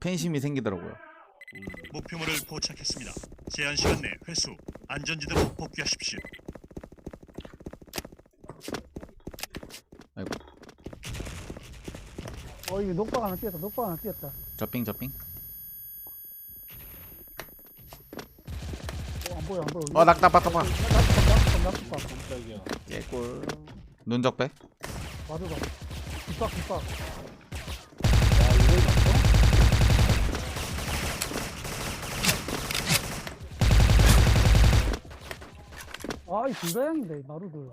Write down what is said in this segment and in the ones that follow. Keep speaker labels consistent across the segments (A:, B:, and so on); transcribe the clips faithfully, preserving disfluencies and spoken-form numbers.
A: 팬심이 생기더라고요.
B: 목표물을 포착했습니다. 제한 시간 내 회수, 안전지대로 복귀하십시오.
A: 아이고.
C: 어 이거 녹박 하나 뛰었다. 녹박 하나 뛰었다.
A: 저핑 저핑.
C: 어, 안 보여 안 보여.
A: 어 낙답 낙답 낙.
C: 낙박 낙박 낙박.
D: 깜짝이야.
A: 개꿀. 눈적배.
C: 맞아 봐. 뒷박 뒷박.
D: 야, 이걸 맞어?
C: 아이 불가양인데 마루들.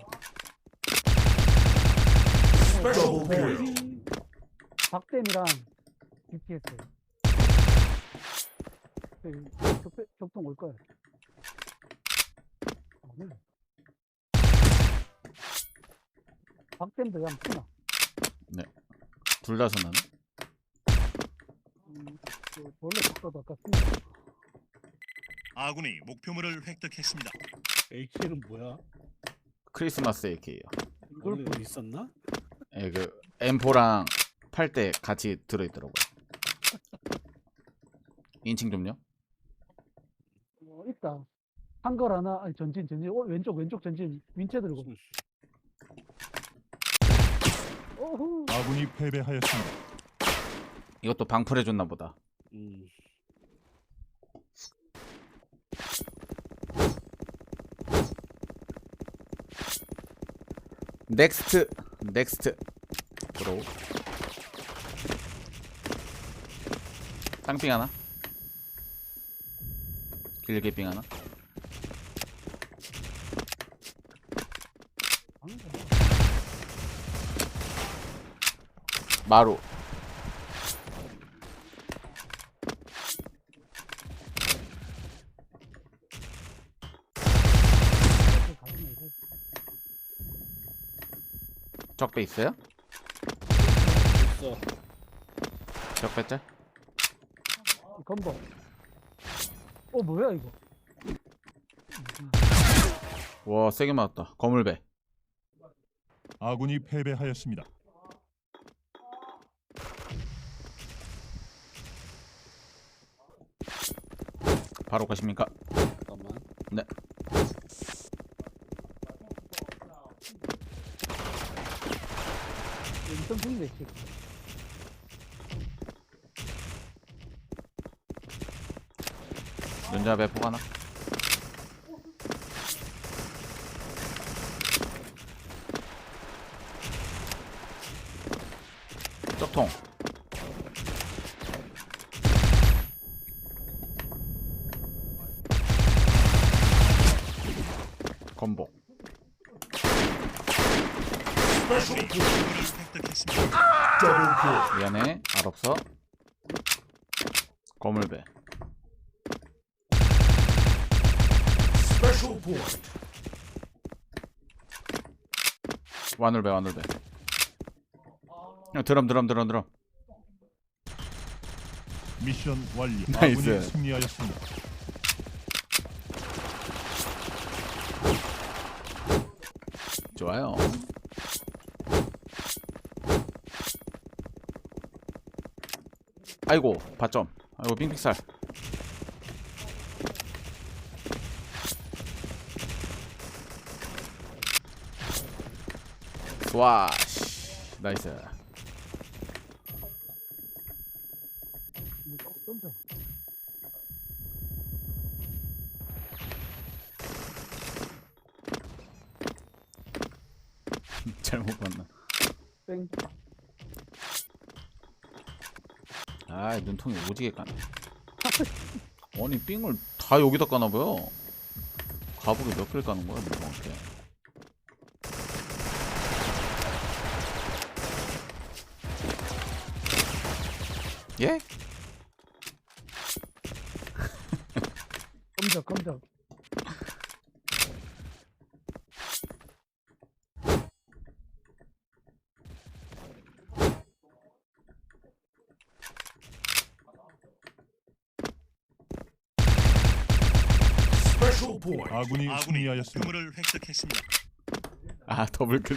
C: 박댐이랑 비피에스. 격배 격통 올 거야. 아니. 박댐도 그냥 푸나.
A: 둘 다 선나네.
C: 음, 그 원래 박사도 아까 쓰.
B: 아군이 목표물을 획득했습니다.
D: 에이케이는 뭐야?
A: 크리스마스 에이케이요.
D: 원래 뭐 있었나?
A: 예, 그 엠포랑 팔 때 같이 들어있더라고요. 인칭 좀요.
C: 어, 있다. 한걸 하나, 아니 전진 전진. 어, 왼쪽 왼쪽 전진. 윈체 들고. 오호.
B: 아군이 패배하였습니다.
A: 이것도 방풀해줬나 보다.
D: 음.
A: 넥스트 넥스트 브로. 쌍빙 하나. 길게 빙 하나. 마루. 적배 있어요?
D: 있어.
A: 적배 짤?
C: 건버. 어 뭐야 이거?
A: 와 세게 맞았다. 거물배.
B: 아군이 패배하였습니다.
A: 바로 가십니까?
D: 잠깐만.
A: 네.
C: 인턴 중인데 지금.
A: 연자 배포 하나. 쪽통. 건복.
B: 아군이 목표물을 획득했습니다.
A: 미안해. 알 없어. 거물배. 와눌배 와눌배. 야, 드럼 드럼 드럼 드럼.
B: 미션 완료.
A: 나이스.
B: 아군이 승리하였습니다.
A: 좋아요. 아이고 바점. 아이고 빙빙살. 와 나이스.
C: 이거 던져.
A: 잘못 봤나.
C: 뺑.
A: 아 눈통이 오지게 까네. 아니 삥을 다 여기다 까나봐요. 가복에 몇 개를 까는 거야 눈통한테. 예?
C: 검적 검적.
B: 아군이
E: 아군이
B: 승리하였습니다.
E: 목표물을 획득했습니다.
A: 아 더블 클릭.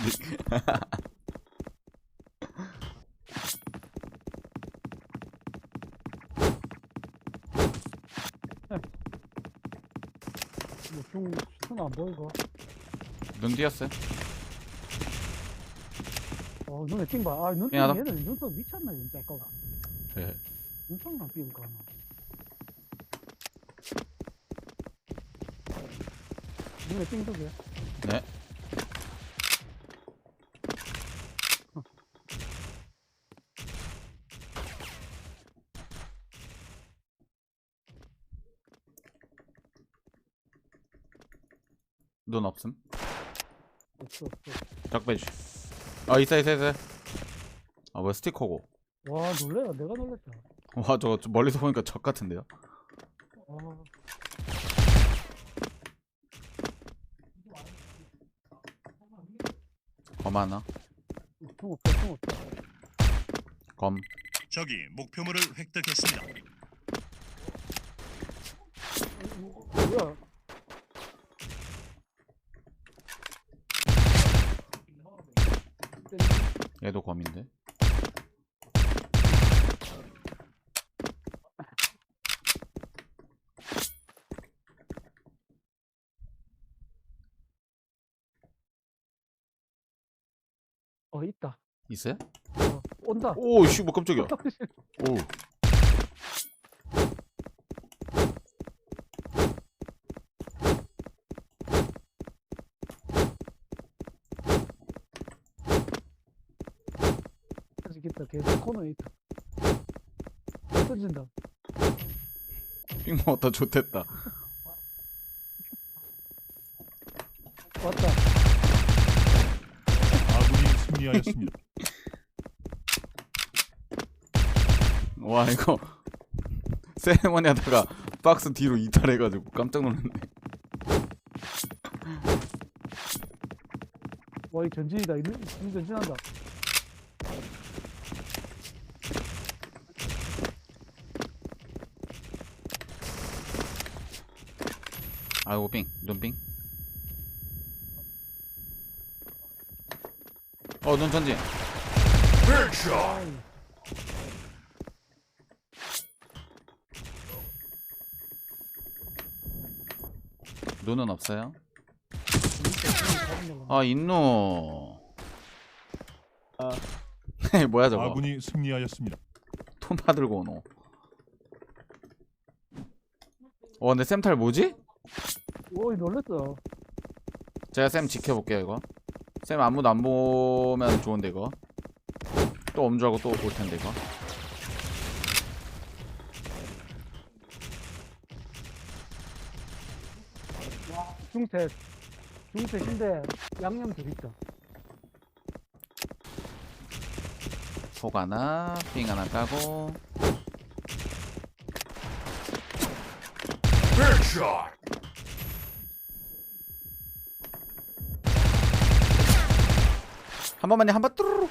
C: 뭐중 수는 안 보이고.
A: 눈 띄었어요.
C: 어 눈에 띵봐. 아 눈썹
A: 미안하다.
C: 얘들 눈썹 미쳤나 진짜 아까.
A: 네.
C: 눈썹만 띄울까 나. 눈에 띵두개.
A: 네. 눈 없음.
C: 없어 없어.
A: 딱 빼주. 아 있어 있어 있어. 아 왜 스티커고?
C: 와 놀래라 내가 놀랬다.
A: 와 저거 좀 멀리서 보니까 적 같은데요?
C: 아
A: 검 하나.
C: 중 없어 중 없어.
A: 검.
B: 적이 목표물을 획득했습니다.
C: 뭐야?
A: 얘도 검인데.
C: 어 있다.
A: 있어요?
C: 어, 온다.
A: 오씨 뭐 깜짝이야. 오.
C: 아직 있다. 계속 코너에 있다. 어, 던진다.
A: 삥 먹었다 좋댔다.
C: 왔다.
B: 아군이 승리하였습니다.
A: 와 이거 세레머니 하다가 박스 뒤로 이탈해가지고 깜짝 놀랐네.
C: 와, 이 전진이다. 이 눈- 눈 전진한다.
A: 아이고 삥 눈삥. 어눈 전진.
C: 아이,
A: 눈은 없어요.
C: 진짜 눈이 잡은
A: 아 인노.
D: 아.
A: 뭐야 저거.
B: 아군이 승리하였습니다.
A: 톰파 들고 오노. 어 근데 쌤탈 뭐지?
C: 오이, 놀랬어.
A: 제가 쌤 지켜볼게요 이거. 쌤 아무도 안 보면 좋은데 이거. 또 엄주하고 또 올 텐데 이거.
C: 중셋. 중셋인데 양념 들 있다.
A: 폭 하나, 삥 하나 까고. 한 번만요, 한 번 뚜루루.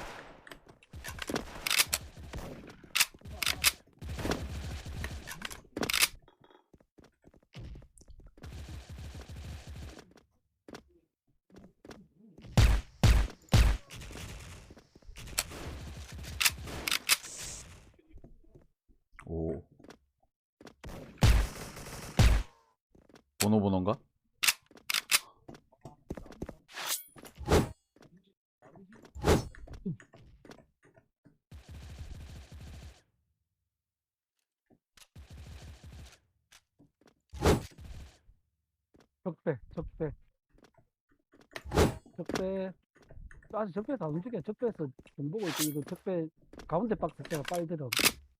A: 오. 번호 번호인가?
C: 적배, 적배. 적배. 아직 적배에서 안 움직여. 적배에서 좀 보고 있지. 이거 적배 가운데 박스 제가 빨더라고.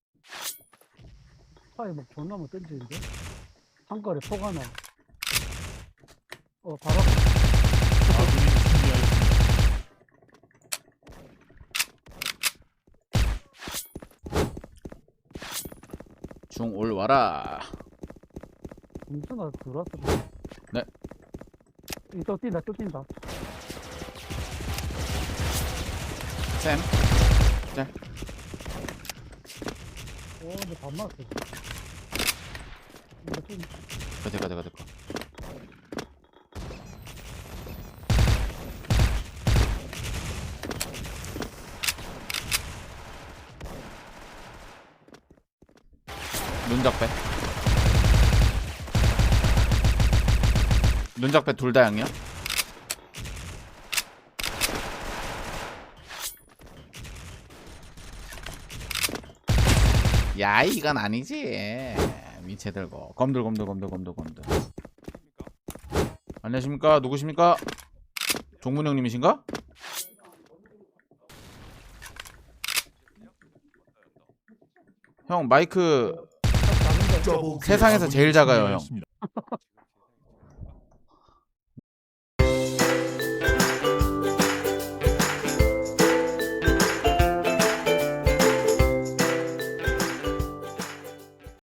C: 파이 막 존나 뭐 던지는데? 한거리 폭 하나. 어, 바로.
B: 아군이 승리하였습니다.
A: 중 올 와라.
C: 공수나 들어왔어.
A: 네.
C: 이또 뛴다, 또 뛴다.
A: 쌤.
C: 오, 근데 밥 맞았어. 이거 좀,
A: 가자 가자 가자. 눈작배. 눈작배 둘 다 양이야? 야 이건 아니지. 미체 들고 검들 검들 검들 검들 검들. 안녕하십니까? 누구십니까? 종문 형님이신가? 형 마이크
C: 작은데.
A: 세상에서 제일 작아요, 형.